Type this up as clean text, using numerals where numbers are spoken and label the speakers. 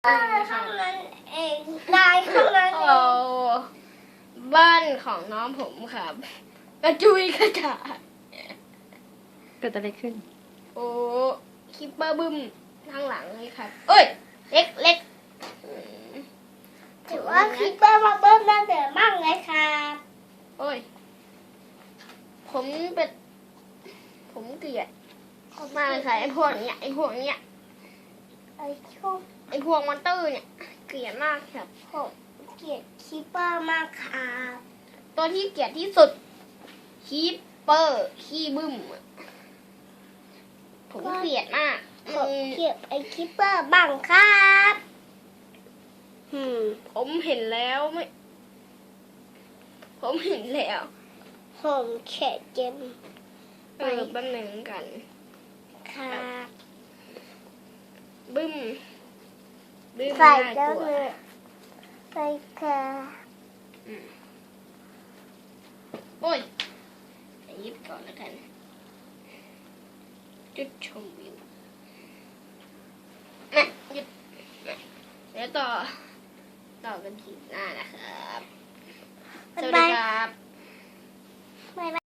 Speaker 1: บ้านข้างนั้นเองนายข้างนั้นเอ
Speaker 2: โอ้
Speaker 1: ง
Speaker 2: บ้านของน้องผมครับกระจุยกระจาย
Speaker 3: เกิดอะไรขึ้น
Speaker 2: โอ้คิปเปอร์บึ้มข้างหลังเลยครับ เอ้ย เล็กเล็กอืม
Speaker 1: ถือว่าคิปเปอร์มาเบิ้มน่าเดือดมากเลยครับ
Speaker 2: โอ้ย ผมเป็น ผมเกลียดมากเลยค่ะไอ้พวกเนี้ยไอ้พวกเนี้ย
Speaker 1: ไอ้ช่วง
Speaker 2: ไอ้พวกมอนเตอร์เนี่ย เกลียดมากครับ
Speaker 1: ผมเกลียดคิปเปอร์มากครับ
Speaker 2: ตัวที่เกลียดที่สุดคิปเปอร์ขี้บึ้มอะผมเกลียดมาก
Speaker 1: ผมเกลียดไอ้คิปเปอร์บ้างครับ
Speaker 2: ผมเห็นแล้วไม่ ผมเห็นแล้ว
Speaker 1: ผมเขียดเจม
Speaker 2: แป๊บหนึ่งกัน
Speaker 1: ครับ
Speaker 2: บึ้มบึ้ม
Speaker 1: ใส่
Speaker 2: น่า
Speaker 1: แล้ว
Speaker 2: กลัว
Speaker 1: เลยใส่ค่ะ
Speaker 2: โอ้ยหยิบก่อนแล้วกัน จุดชมวิวนะหยุดนะเดี๋ยวต่อกันทีหน้านะครับ สวัสดีครับ